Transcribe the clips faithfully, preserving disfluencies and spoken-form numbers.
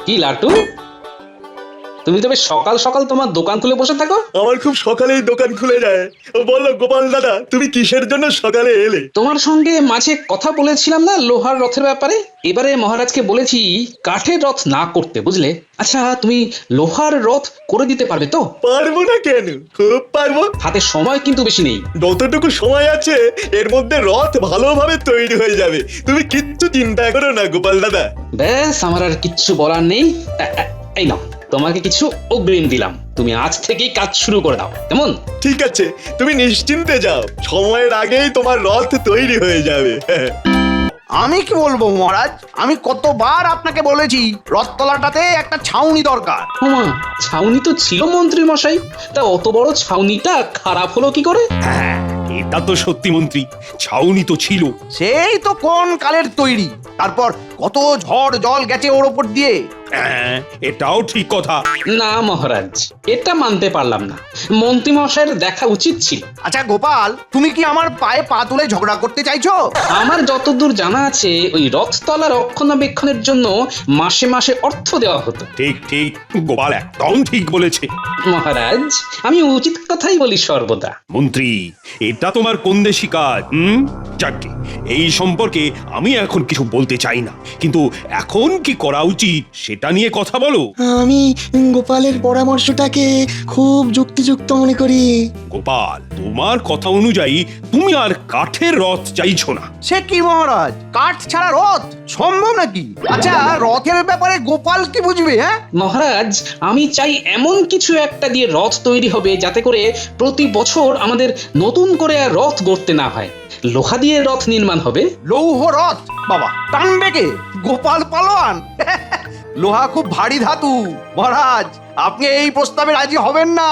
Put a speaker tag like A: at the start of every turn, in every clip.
A: কি লাটু, তুমি তবে সকাল সকাল তোমার দোকান খুলে বসে থাকো?
B: আমার খুব সকালেই দোকান খুলে যায়। বলো গোপাল দাদা, তুমি কিসের জন্য সকালে এলে?
A: তোমার সঙ্গে মাঝে কথা বলেছিলাম না লোহার রথের ব্যাপারে। এবারে মহারাজকে বলেছি কাঠের রথ না করতে, বুঝলে? আচ্ছা, তুমি লোহার রথ করে দিতে পারবে তো?
B: পারবো না কেন, খুব পারবো।
A: হাতে সময় কিন্তু বেশি নেই।
B: যতটুকু সময় আছে এর মধ্যে রথ ভালোভাবে তৈরি হয়ে যাবে, তুমি কিচ্ছু চিন্তা করো না গোপাল দাদা।
A: ব্যাস, আমার আর কিচ্ছু বলার নেই। এ- এ- এই নাও, তোমাকে কিছু অগ্রিম দিলাম, তুমি আজ থেকেই কাজ শুরু করে দাও, কেমন?
B: ঠিক আছে, তুমি নিশ্চিন্তে যাও, সময়ের আগেই তোমার রথ তৈরি হয়ে যাবে।
C: আমি কি বলবো মহারাজ, আমি কতবার আপনাকে বলেছি রথতলাটাতে একটা ছাউনি দরকার।
A: ওমা, ছাউনি তো ছিল মন্ত্রী মশাই, তা অত বড় ছাউনিটা খারাপ হলো কি করে?
C: হ্যাঁ,
D: এটা তো সত্যি মন্ত্রী, ছাউনি তো ছিল।
C: সেই তো কোন কালের তৈরি, তারপর কত ঝড় জল গেছে ওর ওপর দিয়ে।
D: হ্যাঁ, এটাও ঠিক কথা।
A: না মহারাজ, এটা মানতে পারলাম না, মন্ত্রী মশাইয়ের দেখা উচিত ছিল।
C: আচ্ছা গোপাল, তুমি কি আমার পায়ে পা তুলে ঝগড়া করতে চাইছো?
A: আমার যতদূর জানা আছে ওই রথতলা রক্ষণাবেক্ষণের জন্য মাসে মাসে অর্থ দেওয়া হতো।
D: ঠিক ঠিক, গোপাল একদম ঠিক বলেছে।
A: মহারাজ, আমি উচিত কথাই বলি সর্বদা।
D: মন্ত্রী, এটা তোমার কোন দেশি কাজ? হুম, যাকে এই সম্পর্কে আমি এখন কিছু বলতে চাই না, কিন্তু এখন কি করা উচিত সেটা নিয়ে কথা বলো।
E: আমি গোপালের পরামর্শটাকে খুব যুক্তিযুক্ত মনে করি।
D: গোপাল, তোমার কথা অনুযায়ী তুমি আর কাঠের রথ চাইছো না।
C: সে কি মহারাজ, কাঠ ছাড়া রথ সম্ভব নাকি? আচ্ছা, রথের ব্যাপারে গোপাল কি বুঝবে? হ্যাঁ
A: মহারাজ, আমি চাই এমন কিছু একটা দিয়ে রথ তৈরি হবে যাতে করে প্রতি বছর আমাদের নতুন করে আর রথ গড়তে না হয়। লোহা দিয়ে রথ নির্মাণ হবে।
C: লৌহ রথ, বাবা টানবে কে? গোপাল পালোয়ান? লোহা খুব ভারী ধাতু মহারাজ, আপনি এই প্রস্তাবে রাজি হবেন না।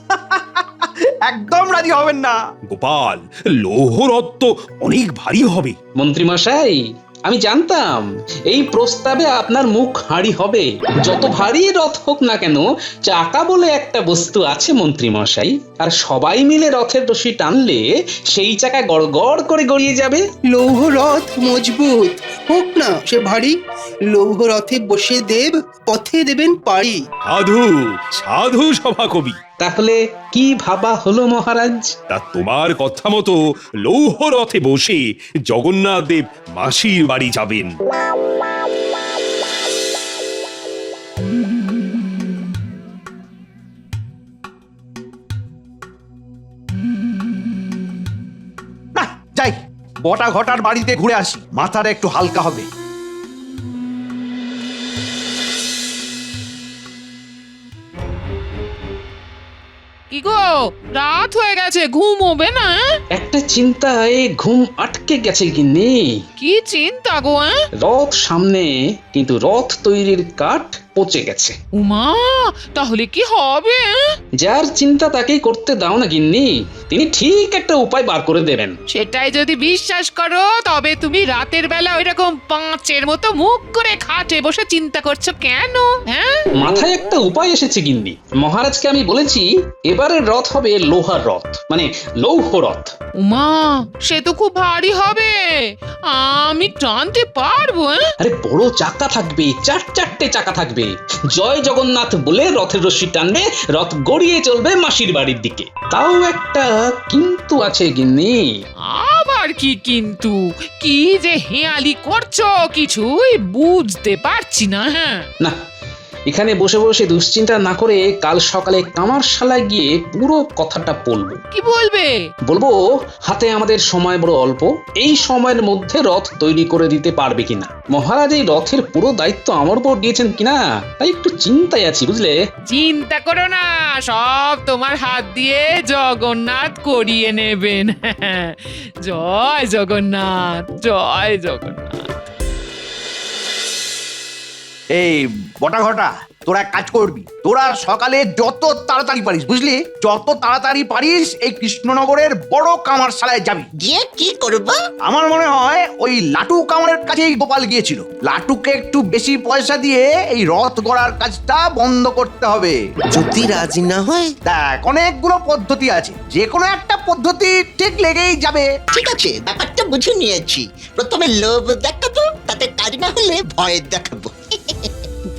C: একদম রাজি হবেন না।
D: গোপাল, লৌহ রথ তো অনেক ভারী হবে।
A: মন্ত্রী মশাই, আমি জানতাম এই প্রস্তাবে আপনার মুখ হাঁড়ি হবে। যত ভারী রথ হোক না কেন, চাকা বলে একটা বস্তু আছে মন্ত্রী মশাই, আর সবাই মিলে রথের রশি টানলে সেই চাকা গড় গড় করে গড়িয়ে যাবে।
F: লৌহ রথ মজবুত হোক না সে ভারী, লৌহ রথে বসে দেব পথে দেবেন পাড়ি।
D: সাধু সাধু সভাকবি।
A: তাহলে কি ভাবা হলো মহারাজ?
D: তা তোমার কথা মতো লৌহ রথে বসে জগন্নাথ দেব মাসির বাড়ি যাবেন।
C: না যাই, বটা ঘটার বাড়িতে ঘুরে আসি, মাথাটা একটু হালকা হবে।
G: কি গো, রাত হয়ে গেছে, ঘুমোবে না?
A: একটা চিন্তায় ঘুম আটকে গেছে গিন্নি।
G: কি চিন্তা গো? হ্যাঁ,
A: রথ সামনে, কিন্তু রথ তৈরির কাঠ পচে গেছে।
G: উমা, তাহলে কি হবে? হ্যাঁ?
A: যার চিন্তা তাকেই করতে দাও না গিন্নি, তিনি ঠিক একটা উপায় বার করে দেবেন।
G: সেটাই যদি বিশ্বাস করো, তবে তুমি রাতের বেলা ওইরকম পাঁচের মতো মুখ করে খাটে বসে চিন্তা করছো কেন? হ্যাঁ,
A: মাথায় একটা উপায় এসেছে গিন্নি। মহারাজকে আমি বলেছি এবারের রথ হবে লোহার রথ, মানে লৌহ রথ।
G: উমা, সে তো খুব ভারী হবে, আমি টানতে পারবো? হ্যাঁ?
A: আরে বড় চাকা থাকবে, চার চারটে চাকা থাকবে। জয় জগন্নাথ বলে রথের রশি টানবে, রথ গড়িয়ে চলবে মাসির বাড়ির দিকে। তাও একটা কিন্তু আছে গিন্নি।
G: আবার কি কিন্তু? কি যে হেয়ালি করছো কিছুই বুঝতে পারছি না। হ্যাঁ,
A: না, এখানে বসে বসে দুশ্চিন্তা না করে কাল সকালে কামারশালায় গিয়ে পুরো কথাটা বলবো।
G: কি বলবে?
A: বলবো হাতে আমাদের সময় বড় অল্প, এই সময়ের মধ্যে রথ তৈরি করে দিতে পারবে কিনা। মহারাজ এই রথের পুরো দায়িত্ব আমার উপর দিয়েছেন কিনা, তাই একটু চিন্তায় আছি, বুঝলে?
G: চিন্তা করো না, সব তোমার হাত দিয়ে জগন্নাথ করিয়ে নেবেন। জয় জগন্নাথ, জয় জগন্নাথ।
C: এই বটা ঘটা, তোরা এক কাজ করবি, তোরা সকালে যত তাড়াতাড়ি পারিস, বুঝলি, যত তাড়াতাড়ি পারিস এই কৃষ্ণনগরের বড় কামারশালায় যাবি।
E: গিয়ে কি করব?
C: আমার মনে হয় ওই লাটু কামারের কাছেই গোপাল গিয়েছিল। লাটুকে একটু বেশি পয়সা দিয়ে এই রথ গড়ার কাজটা বন্ধ করতে হবে।
E: যদি রাজি না হয়?
C: দেখ, অনেকগুলো পদ্ধতি আছে, যে কোনো একটা পদ্ধতি ঠিক লেগেই যাবে।
E: ঠিক আছে, ব্যাপারটা বুঝে নিয়েছি। প্রথমে লোভ দেখাবো, তাতে কাজ না হলে ভয় দেখাবো।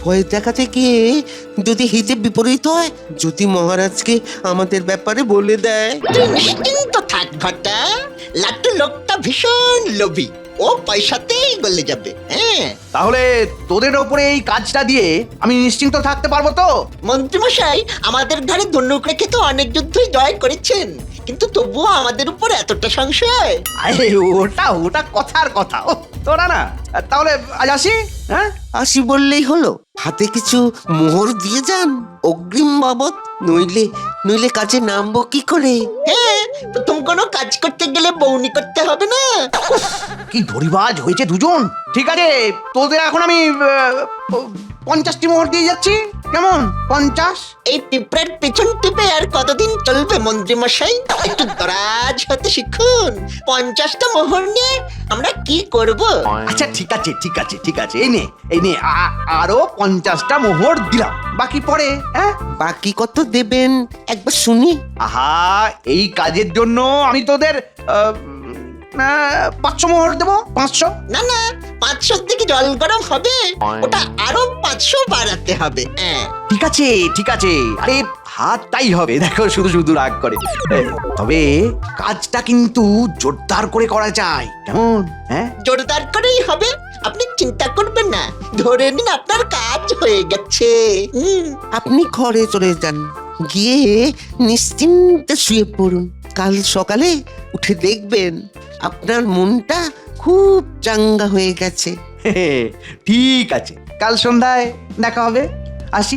H: ভয় দেখাতে গিয়ে যদি হিতে বিপরীত হয়, যদি মহারাজকে আমাদের ব্যাপারে বলে দেয়।
I: তুই নিশ্চিন্ত থাক ঘটা, লাট্টু লোকটা ভীষণ লোভী, ও পয়সাতেই গলে যাবে। হ্যাঁ,
C: তাহলে তোদের ওপরে এই কাজটা দিয়ে আমি নিশ্চিন্ত থাকতে পারবো তো?
I: মন্ত্রীমশাই আমাদের ঘরে ধনুক রেখে তো অনেক যুদ্ধই জয় করেছেন, কিন্তু তবুও আমাদের উপর এতটা সংশয়।
C: আরে ওটা ওটা কথার কথা। ও তোরা না, তাহলে আজ আসি। হ্যাঁ,
H: আসি বললেই হলো? হাতে কিছু মোহর দিয়ে যান অগ্রিম বাবদ, নইলে নইলে কাজে নামবো কি করে?
I: হ্যাঁ, প্রথম কোনো কাজ করতে গেলে বউনি করতে হবে না।
C: কি ধরিবাজ হয়েছে দুজন। ঠিক আছে, তোদের এখন আমি আহ, পঞ্চাশটি মোহর দিয়ে যাচ্ছি। কেমন? পঞ্চাশ?
I: এই পিঁপড়ার পেছন টিপে আর কতদিন চলবে মন্ত্রীমশাই? একটু দরাজ হতে শিখুন। পঞ্চাশটা মোহর নিয়ে আমরা কি করব?
C: আচ্ছা ঠিক আছে ঠিক আছে ঠিক আছে, এই নে এই নে আ- আরো পঞ্চাশটা মোহর দিলাম, বাকি পরে। হ্যাঁ,
H: বাকি কত দেবেন একবার শুনি।
C: আহা, এই কাজের জন্য আমি তোদের আহ, আহ, পাঁচশো মোহর দেবো। পাঁচশো?
I: না না, পাঁচশোর দিকে জল গরম হবে, ওটা আরো পাঁচশো বাড়াতে হবে। হ্যাঁ,
C: ঠিক আছে ঠিক আছে, আরে হাতটাই হবে, দেখো শুধু শুধু রাগ করে। এ, তবে কাজটা কিন্তু জোরদার করে করা যায়, কেমন? হ্যাঁ,
I: জোরদার করেই হবে, আপনি চিন্তা করবেন না। ধরে নিন আপনার কাজ হয়ে গেছে। হুম,
H: আপনি ঘরে চলে যান, গিয়ে নিশ্চিন্তে শুয়ে পড়ুন। কাল সকালে উঠে দেখবেন আপনার মনটা খুব চাঙ্গা হয়ে গেছে।
C: ঠিক আছে, কাল সন্ধ্যায় দেখা হবে। আসি।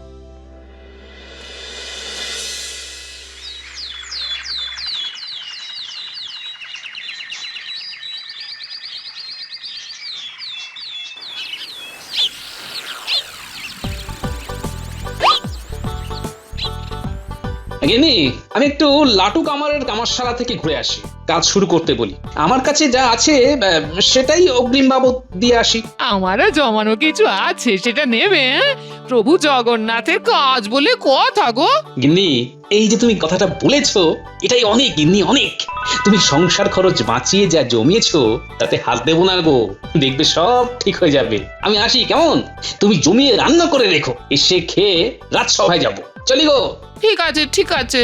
A: গিন্নি, আমি একটু লাটু কামারের কামারশালা থেকে ঘুরে আসি, কাজ শুরু করতে বলি। আমার কাছে যা আছে আহ, সেটাই অগ্রিম বাবদ দিয়ে আসি।
G: আমারও জমানো কিছু আছে, সেটা নেবে? হ্যাঁ? প্রভু জগন্নাথের কাজ বলে কথা গো।
A: গিন্নি, এই যে তুমি কথাটা বলেছো, এটাই অনেক গিন্নি, অনেক। তুমি সংসার খরচ বাঁচিয়ে যা জমিয়েছো তাতে হাত দেবো না গো, দেখবে সব ঠিক হয়ে যাবে। আমি আসি, কেমন? তুমি জমিয়ে রান্না করে রেখো, এসে খেয়ে রাজসভায় যাবো। চলি গো।
G: ঠিক আছে ঠিক আছে।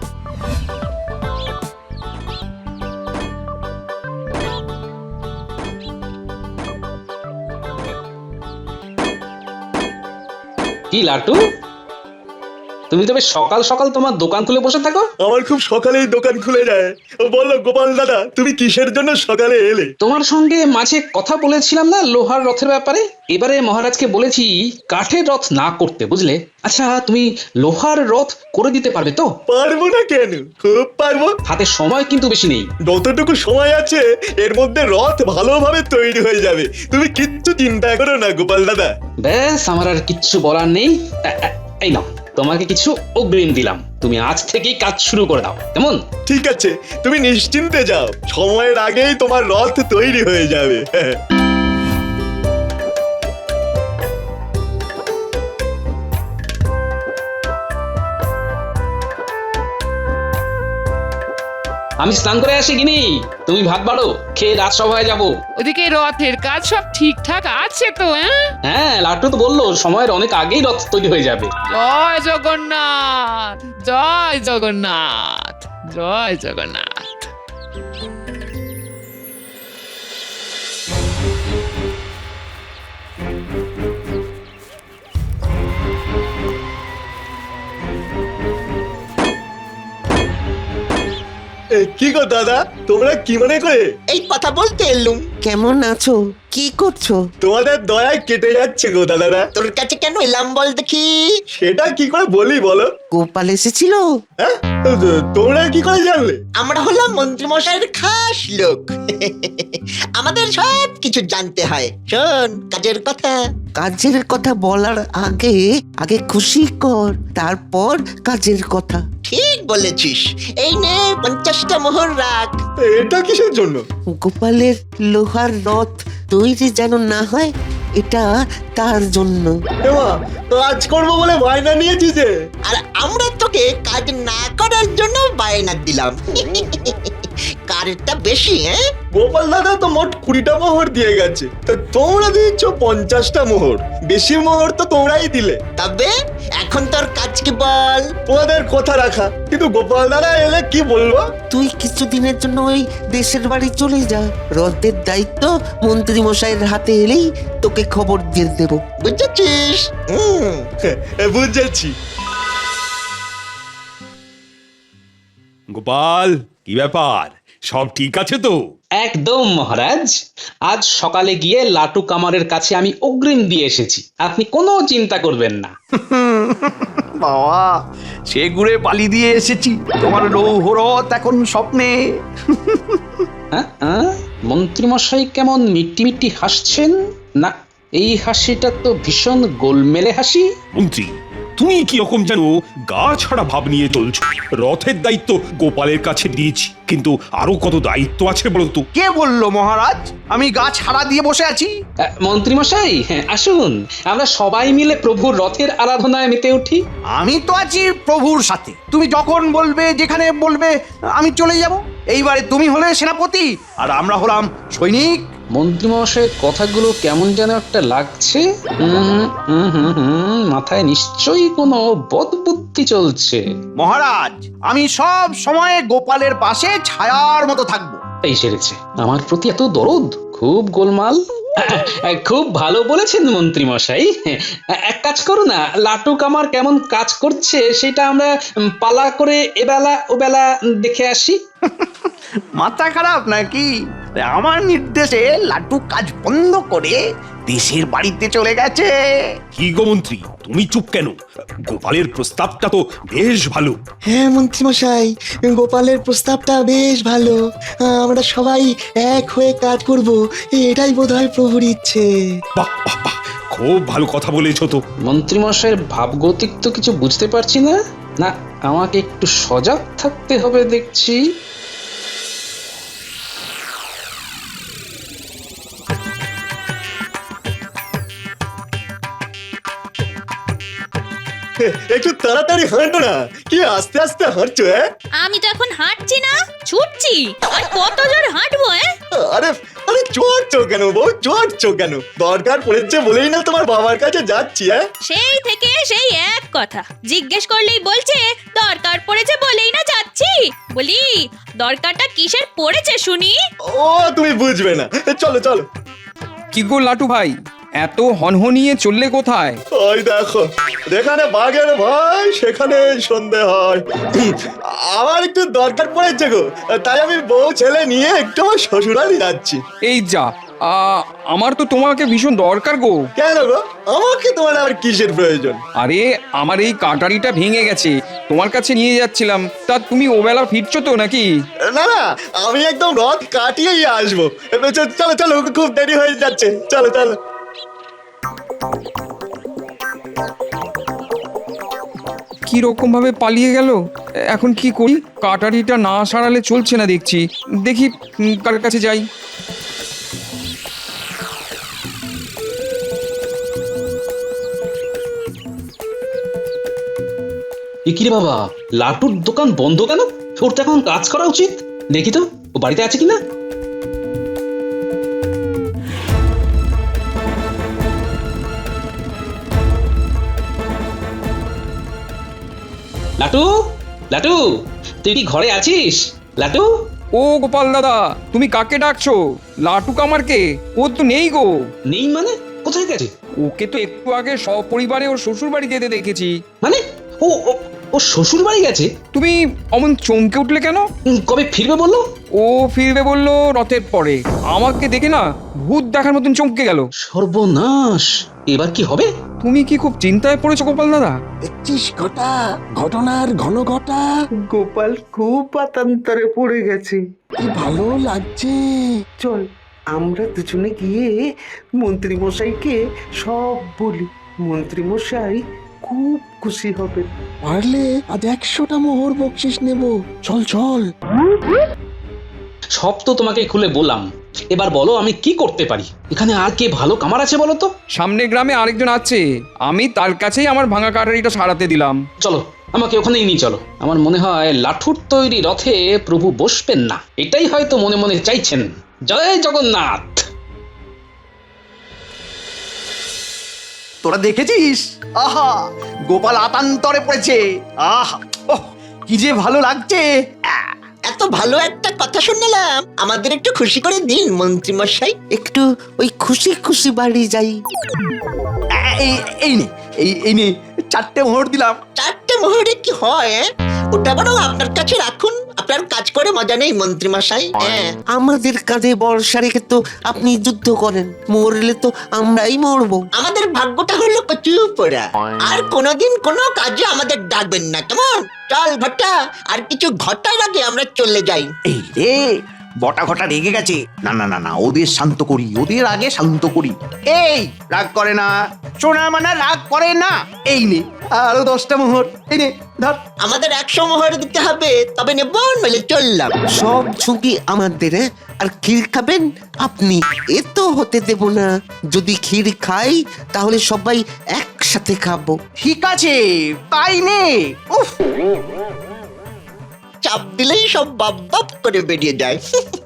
A: কি লাটু, তুমি তবে সকাল সকাল তোমার দোকান খুলে বসে থাকো?
B: আমার খুব সকালেই দোকান খুলে যায়। বলো গোপাল দাদা, তুমি কিসের জন্য সকালে এলে?
A: তোমার সঙ্গে মাঝে কথা বলেছিলাম না লোহার রথের ব্যাপারে? এবারে মহারাজকে বলেছি কাঠের রথ না করতে, বুঝলে? আচ্ছা, তুমি লোহার রথ করে দিতে পারবে তো?
B: পারবো না কেন, খুব পারবো।
A: হাতে সময় কিন্তু বেশি নেই।
B: যতটুকু সময় আছে এর মধ্যে রথ ভালোভাবে তৈরি হয়ে যাবে, তুমি কিচ্ছু চিন্তা করো না গোপাল দাদা।
A: ব্যাস, আমার আর কিচ্ছু বলার নেই। এ- এ- এই নাও, তোমাকে কিছু অগ্রিম দিলাম, তুমি আজ থেকেই কাজ শুরু করে দাও, কেমন?
B: ঠিক আছে, তুমি নিশ্চিন্তে যাও, সময়ের আগেই তোমার রথ তৈরি হয়ে যাবে।
A: আমি স্নান করে আসি গিনি, তুমি ভাত বাড়ো, খেয়ে রাজসভায় যাবো।
G: ওদিকে রথের কাজ সব ঠিকঠাক আছে তো? হ্যাঁ,
A: হ্যাঁ, লাট্টু তো বললো সময়ের অনেক আগেই রথ তৈরি হয়ে যাবে।
G: জয় জগন্নাথ, জয় জগন্নাথ, জয় জগন্নাথ।
B: এ, কি গো দাদা, তোমরা কি মনে করে?
I: এই কথা বলতে এলুম।
H: কেমন আছো? কি করছো?
B: তোমাদের দয়ায় কেটে যাচ্ছে গো দাদারা।
I: তোর কাছে কেন এলাম বল দেখি?
B: সেটা কি করে বলি বলো?
H: গোপাল এসেছিল?
B: হ্যাঁ, তোমরা কি করে জানলে?
I: আমরা হলাম মন্ত্রীমশাইয়ের খাস লোক। আমাদের সব কিছু জানতে হয়। শোন, কাজের কথা।
H: কাজের কথা বলার আগে আগে খুশি কর, তারপর কাজের কথা।
I: ঠিক বলেছিস। এই নে পঞ্চাশটা মোহর রাখ।
B: এটা কিসের জন্য?
H: গোপালের লোহার রথ তৈরি যেন না হয়, এটা তার জন্য।
B: এমা, কাজ করবো বলে বায়না নিয়েছি যে।
I: আর আমরা তোকে কাজ না করার জন্য বায়না দিলাম কারেরটা বেশি হ্যাঁ
B: গোপাল দাদা তো মোট কুড়িটা মোহর দিয়ে গেছে, তা তোমরা দিচ্ছ পঞ্চাশটা মোহর। বেশি মোহর তো তোমরাই দিলে।
I: তবে এখন তোর কাজ কি বল?
B: তোমাদের কথা রাখা, কিন্তু গোপাল দাদা এলে কি বলবো?
H: তুই কিছুদিনের জন্য ওই দেশের বাড়ি চলে যা, রথের দায়িত্ব মন্ত্রী মশাইয়ের হাতে এলেই তোকে খবর দিয়ে দেব।
I: বুঝেছিস?
B: হুম, বুঝেছি।
D: গোপাল, কি ব্যাপার, সব ঠিক আছে তো?
A: একদম মহারাজ, আজ সকালে গিয়ে লাটু কামারের কাছে আমি অগ্রিম দিয়ে এসেছি, আপনি কোনো চিন্তা করবেন না।
C: বাবা, সে ঘুরে পালি দিয়ে এসেছি, তোমার লৌহরথ এখন স্বপ্নে।
A: হ্যাঁ, হ্যাঁ? মন্ত্রীমশাই কেমন মিট্টি মিট্টি হাসছেন? না, এই হাসিটা তো ভীষণ গোলমেলে হাসি।
D: মন্ত্রী, তুমি কি রকম যেন গা ছাড়া ভাব নিয়ে চলছো। রথের দায়িত্ব গোপালের কাছে দিয়েছি, কিন্তু আরো কত দায়িত্ব আছে বলো তো?
C: কে বললো মহারাজ আমি গাছ হারা দিয়ে বসে আছি?
A: আহ, মন্ত্রীমশাই, হ্যাঁ আসুন, আমরা সবাই মিলে প্রভুর রথের আরাধনায় মেতে উঠি।
C: আমি তো আছি প্রভুর সাথে, তুমি যখন বলবে যেখানে বলবে আমি চলে যাব। এইবারে তুমি হলে সেনাপতি আর আমরা হলাম সৈনিক।
A: মন্ত্রীমশাইয়ের কথাগুলো কেমন যেন একটা লাগছে। হুম হুম হুম হুম মাথায় নিশ্চয়ই কোনো বদবুদ্ধি চলছে।
C: মহারাজ, আমি সব সময় গোপালের পাশে ছায়ার মতো থাকবো।
A: এই সেরেছে, আমার প্রতি এত দরদ, খুব গোলমাল। খুব ভালো বলেছেন মন্ত্রী মশাই। এক কাজ করো না, লাটু কামার কেমন কাজ করছে সেটা আমরা পালা করে এবেলা ওবেলা দেখে আসি।
C: মাথা খারাপ নাকি? আমার নির্দেশে লাটু কাজ বন্ধ করে দেশের বাড়িতে চলে গেছে।
D: কি গো মন্ত্রী, তুমি চুপ কেন? গোপালের প্রস্তাবটা তো বেশ ভালো।
E: হ্যাঁ মন্ত্রীমশাই, গোপালের প্রস্তাবটা বেশ ভালো। আহ, আমরা সবাই এক হয়ে কাজ করব, এটাই বোধহয় প্রভুর ইচ্ছে।
D: বাহ বাহ বাহ, খুব ভালো কথা বলেছো তো।
A: মন্ত্রী মশাইয়ের ভাবগতিক তো কিছু বুঝতে পারছি না। না, আমাকে একটু সজাগ থাকতে হবে দেখছি।
B: একটু তাড়াতাড়ি হাঁটো না, কি আস্তে আস্তে হাঁটছো? হ্যাঁ,
J: আমি তো এখন হাঁটছি না, ছুটছি। আর কত জোর হাঁটবো? হ্যাঁ,
B: আরে আরে চড়ছো কেন বউ, চড়ছো কেন? দরকার পড়েছে বলেই না তোমার বাবার কাছে যাচ্ছি। হ্যাঁ,
J: সেই থেকে সেই এক কথা, জিজ্ঞেস করলেই বলছে দরকার পড়েছে বলেই না যাচ্ছি। বলি, দরকারটা কিসের পড়েছে শুনি?
B: ও তুমি বুঝবে না, চলো চলো।
K: কি গো লাটু ভাই, এত হনহনিয়ে চললে কোথায়?
B: ওই দেখো, যেখানে বাঘের ভয় সেখানে সন্ধে হয়। আমার একটু দরকার পড়েছে গো, তাই আমি বউ ছেলে নিয়ে একটু আমার শ্বশুরালি যাচ্ছি।
K: এই যা, আ, আমার তো তোমাকে ভীষণ দরকার গো।
B: কেন গো, আমাকে তোমার আবার কিসের প্রয়োজন?
K: আরে আমার এই কাটারিটা ভেঙে গেছে, তোমার কাছে নিয়ে যাচ্ছিলাম। তা তুমি ওবেলা ফিরছো তো নাকি?
B: না না, আমি একদম রথ কাটিয়েই আসবো। চলো চলো, খুব দেরি হয়ে যাচ্ছে, চলো চলো।
K: কি রকম ভাবে পালিয়ে গেল, এখন কি করি? কাটারিটা না সারালে চলছে না দেখছি। দেখি উম, কার কাছে যাই।
A: এ কি রে বাবা, লাটুর দোকান বন্ধ কেন? ওর তো এখন কাজ করা উচিত। দেখি তো ও বাড়িতে আছে কিনা। লাটু, লাটু, তুই কি ঘরে আছিস? লাটু,
K: ও গোপাল দাদা, তুমি কাকে ডাকছো? লাটু কামারকে? ও তো নেই গো।
A: নেই মানে? কোথায় গেছে?
K: ওকে তো একটু আগে সপরিবারে ওর শ্বশুর বাড়ি যেতে দেখেছি।
A: মানে ও ও- ও শ্বশুর বাড়ি গেছে?
K: তুমি অমন চমকে উঠলে কেন?
A: উম, কবে ফিরবে বললো?
K: ও ফিরবে বললো রথের পরে। আমাকে দেখে না ভূত দেখার মতন চমকে গেল।
A: সর্বনাশ, এবার কি হবে?
K: তুমি কি খুব চিন্তায় পড়েছো গোপাল দাদা?
E: দেখছিস ঘটা, ঘটনার ঘন ঘটা,
F: গোপাল খুব পাতান্তরে পড়ে গেছে।
E: কি ভালো লাগছে।
F: চল, আমরা দুজনে গিয়ে মন্ত্রী মশাইকে সব বলি। মন্ত্রী মশাই খুব খুশি হবে।
E: পারলে আজ একশোটা মোহর বকশিস নেব। চল চল।
A: সব তো তোমাকে খুলে বললাম, এবার বলো আমি কি করতে পারি? এখানে আর কে ভালো কামার আছে বলো তো?
K: সামনের গ্রামে আরেকজন আছে, আমি তার কাছেই আমার ভাঙা কাটারিটা সারাতে দিলাম।
A: চলো আমাকে ওখানেই নিয়ে চলো। আমার মনে হয় লাঠুর তৈরি রথে প্রভু বসবেন না, এটাই হয়তো মনে মনে চাইছেন। জয় জগন্নাথ।
C: তোরা দেখেছিস? আহা, গোপাল আতান্তরে পড়েছে। আহা, ওহ, কি যে ভালো লাগছে। আহ,
I: এত ভালো একটা কথা শুনলাম, আমাদের একটু খুশি করে দিন মন্ত্রী মশাই।
H: একটু ওই খুশি খুশি বাড়ি যাই।
C: এই এই নে, এই এই নে, চারটে মোহর দিলাম।
I: চারটে মোহরে কি হয়? এ? ওটা বরং আপনার কাছে রাখুন, আপনার কাজ করে মজা নেই মন্ত্রী মশাই। হ্যাঁ,
H: আমাদের কাঁধে বর্ষা রেখে তো আপনি যুদ্ধ করেন, মরলে তো আমরাই মরবো।
I: আমাদের ভাগ্যটা হলো কচু পোড়া, আর কোনোদিন কোনো কাজে আমাদের ডাকবেন না, কেমন? চল ঘটা, আর কিছু ঘটার আগে আমরা চলে যাই।
C: এই রে, বটা ঘটা রেগে গেছে। না না না না, ওদের শান্ত করি, ওদের আগে শান্ত করি। এই রাগ করে না, সোনা মানে রাগ করে না। এই নে আরো দশটা মোহর, এই নে ধর।
I: আমাদের একশো মোহর দিতে হবে, তবে নেব নইলে চললাম।
H: সব ঝুঁকি আমাদের, হ্যাঁ? আর ক্ষীর খাবেন আপনি, এ তো হতে দেব না। যদি ক্ষীর খাই তাহলে সবাই একসাথে খাবো।
C: ঠিক আছে, তাই নে। উফ,
I: চাপ দিলেই সব বাপ বাপ করে বেরিয়ে যায়।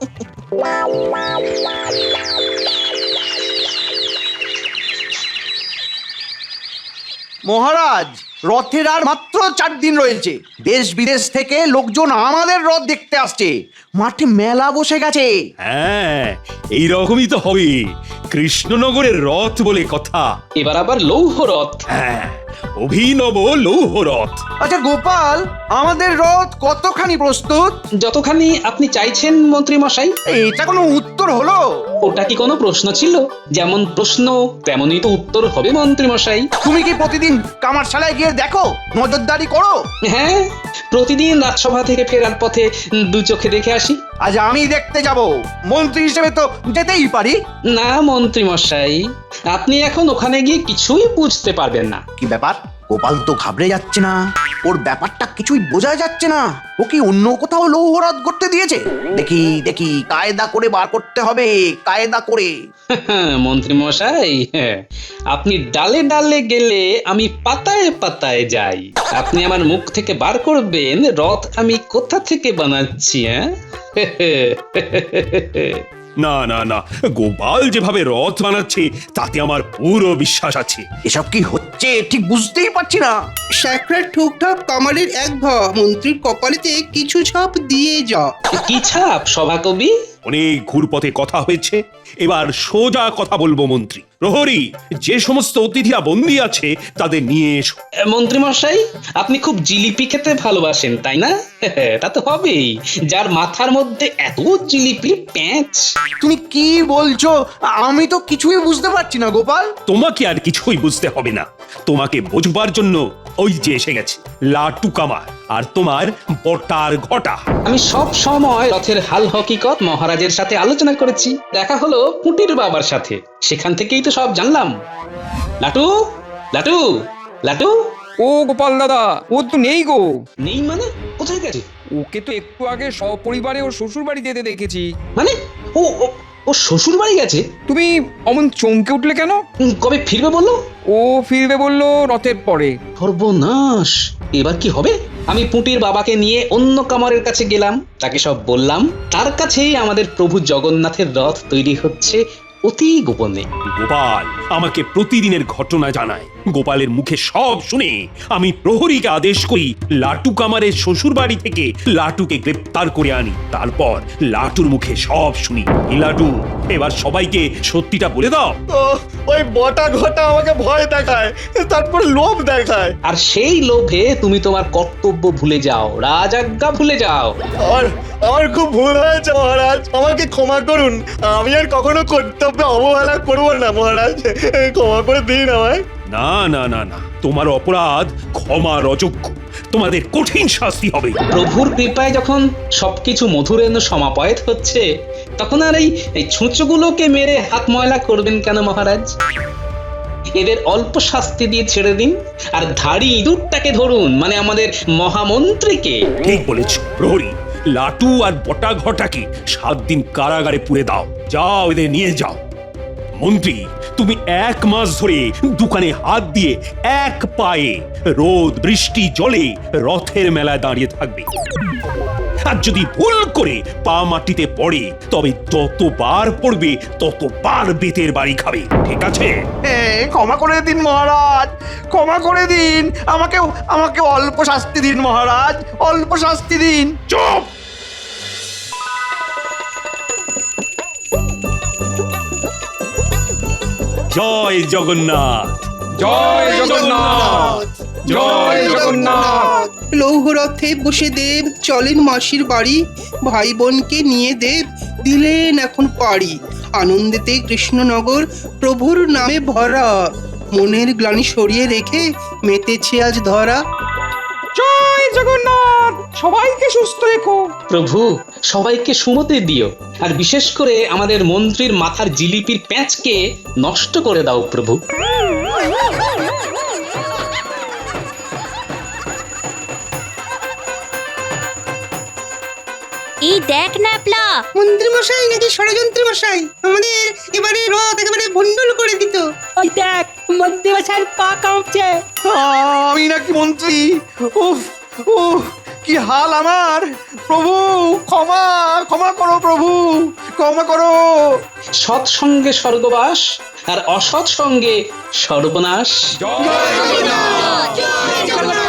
C: মহারাজ, রথের আর মাত্র চার দিন রয়েছে। দেশ বিদেশ থেকে লোকজন আমাদের রথ দেখতে আসছে, মাঠে মেলা বসে গেছে।
D: হ্যাঁ, এইরকমই তো হবে। কৃষ্ণনগরের রথ বলে কথা।
A: এবার আবার লৌহ রথ।
D: হ্যাঁ, অভিনব লৌহ রথ।
C: আচ্ছা গোপাল, আমাদের রথ কতখানি প্রস্তুত?
A: যতখানি আপনি চাইছেন মন্ত্রী মশাই।
C: এটা কোনো উত্তর হলো?
A: ওটা কি কোনো প্রশ্ন ছিল? যেমন প্রশ্ন তেমনই তো উত্তর হবে মন্ত্রী মশাই।
C: তুমি কি প্রতিদিন কামারশালায় গিয়ে দেখো, নজরদারি করো?
A: হ্যাঁ, প্রতিদিন রাজসভা থেকে ফেরার পথে দু চোখে দেখে আসি।
C: আজ আমি দেখতে যাব, মন্ত্রী হিসেবে তো যেতেই পারি।
A: না মন্ত্রী মশাই, আপনি এখন ওখানে গিয়ে কিছুই বুঝতে পারবেন না।
C: কি ব্যাপার? গোপাল তো ঘাবড়ে যাচ্ছে না, ওর ব্যাপারটা কিছুই বোঝা যাচ্ছে না। ও কি অন্য কোথাও লৌহরাত করতে দিয়েছে? দেখি দেখি, কায়দা করে বার করতে হবে, কায়দা করে।
A: মন্ত্রী মশাই, আপনি ডালে ডালে গেলে আমি পাতায় পাতায় যাই। আপনি আমার মুখ থেকে বার করবেন রথ আমি কোথা থেকে বানাচ্ছি। হ্যাঁ,
D: না না না, গোপাল যেভাবে রথ বানাচ্ছে তাতে আমার পুরো বিশ্বাস আছে।
C: এসব কি হচ্ছে ঠিক বুঝতেই পারছি না।
F: স্যাকরার ঠুকঠাক কামারের এক ভ মন্ত্রীর কপালেতে কিছু ছাপ দিয়ে যা।
A: কি ছাপ সভাকবি?
D: অনেক ঘুরপথে কথা হয়েছে, এবার সোজা কথা বলবো মন্ত্রী। প্রহরী, যে সমস্ত অতিথিরা বন্দী আছে তাদের নিয়ে এসো।
A: মন্ত্রী মশাই, আপনি খুব জিলিপি খেতে ভালোবাসেন তাই না? তা তো হবেই, যার মাথার মধ্যে এত জিলিপি প্যাঁচ।
C: তুমি কি বলছো? আমি তো কিছুই বুঝতে পারছি না গোপাল।
D: তোমাকে আর কিছুই বুঝতে হবে না, তোমাকে বোঝবার জন্য ওই যে এসে গেছে লাটু কামার আর তোমার বটার ঘটা।
A: আমি সব সময় রথের হাল হকিকত মহারাজের সাথে আলোচনা করেছি। দেখা হলো পুটির বাবার সাথে, সেখান থেকেই তো সব জানলাম। লাটু লাটু লাটু।
K: ও গোপাল দাদা, ও তো নেই গো।
A: নেই মানে? কোথায় গেছে?
K: ওকে তো একটু আগে সপরিবারে ওর শ্বশুর বাড়ি যেতে দেখেছি।
A: মানে ও ও- ও শ্বশুর বাড়ি গেছে?
K: তুমি অমন চমকে উঠলে কেন?
A: উম, কবে ফিরবে বললো?
K: ও ফিরবে বললো রথের পরে।
A: সর্বনাশ, এবার কি হবে? আমি পুটির বাবাকে নিয়ে অন্য কামারের কাছে গেলাম, তাকে সব বললাম। তার কাছেই আমাদের প্রভু জগন্নাথের রথ তৈরি হচ্ছে অতি গোপনে।
D: গোপাল আমাকে প্রতিদিনের ঘটনা জানায়। গোপালের মুখে সব শুনে আমি প্রহরীকে আদেশ করি লাটু কামারের শ্বশুর বাড়ি থেকে লাটুকে গ্রেপ্তার করে আনি। তারপর লাটুর মুখে সব শুনি। এই লাটু, এবার সবাইকে সত্যিটা বলে দাও।
B: ও, ওই বটা ঘটা আমাকে ভয় দেখায়, তারপর লোভ দেখায়।
A: আর সেই লোভে তুমি তোমার কর্তব্য ভুলে যাও, রাজাজ্ঞা ভুলে যাও।
B: আমার আমার খুব ভুল হয়েছে মহারাজ, আমাকে ক্ষমা করুন। আমি আর কখনো কর্তব্যে অবহেলা করবো না মহারাজ, ক্ষমা করে দিন আমায়।
D: না না না না, তোমার অপরাধ ক্ষমার অযোগ্য, তোমাদের কঠিন শাস্তি হবে।
A: প্রভুর কৃপায় যখন সবকিছু মধুরেন্দ্র সমাপয়েত হচ্ছে, তখন আর এই এই ছুঁচোগুলোকে মেরে হাত ময়লা করবেন কেন মহারাজ? এদের অল্প শাস্তি দিয়ে ছেড়ে দিন, আর ধাড়ি ইঁদুরটাকে ধরুন, মানে আমাদের মহামন্ত্রীকে।
D: ঠিক বলেছ প্রহরী, লাটু আর বটা ঘটাকে সাত দিন কারাগারে পুরে দাও। যাও, এদের নিয়ে যাও। মন্ত্রী, তুমি এক মাস ধরে দোকানে হাত দিয়ে এক পায়ে রোদ বৃষ্টি জলে রথের মেলায় দাঁড়িয়ে থাকবে। আর যদি ভুল করে পা মাটিতে পড়ে তবে যতবার পড়বে ততবার বেতের বাড়ি খাবে, ঠিক আছে?
C: এ, ক্ষমা করে দিন মহারাজ, ক্ষমা করে দিন, আমাকে আমাকে অল্প শাস্তি দিন মহারাজ, অল্প শাস্তি দিন।
D: চুপ! জয় জগন্নাথ।
K: জয় জগন্নাথ, জয় জগন্নাথ।
L: লৌহরথে বসে দেব চলেন মাসির বাড়ি, ভাই বোনকে নিয়ে দেব দিলেন এখন পাড়ি। আনন্দেতে কৃষ্ণনগর প্রভুর নামে ভরা, মনের গ্লানি সরিয়ে রেখে মেতেছে আজ ধরা।
K: জয় জগন্নাথ, সবাইকে সুস্থ রেখো।
A: প্রভু সবাইকে সুমতি দিও, আর বিশেষ করে আমাদের মন্ত্রীর মাথার জিলিপির প্যাঁচকে নষ্ট করে দাও প্রভু।
J: এই দেখ ন্যাপলা,
L: মন্ত্রী মশাই নাকি ষড়যন্ত্রী মশাই আমাদের এবারে রথ একেবারে ভণ্ডুল করে দিত।
F: ওই দেখ মন্ত্রী মশাইয়ের পা কাঁপছে।
C: আমি নাকি মন্ত্রী? উফ উফ, কি হাল আমার! প্রভু ক্ষমা ক্ষমা করো, প্রভু ক্ষমা করো।
A: সৎ সঙ্গে স্বর্গবাস আর অসৎ সঙ্গে সর্বনাশ।
K: জয় জগন্নাথ, জয় জগন্নাথ।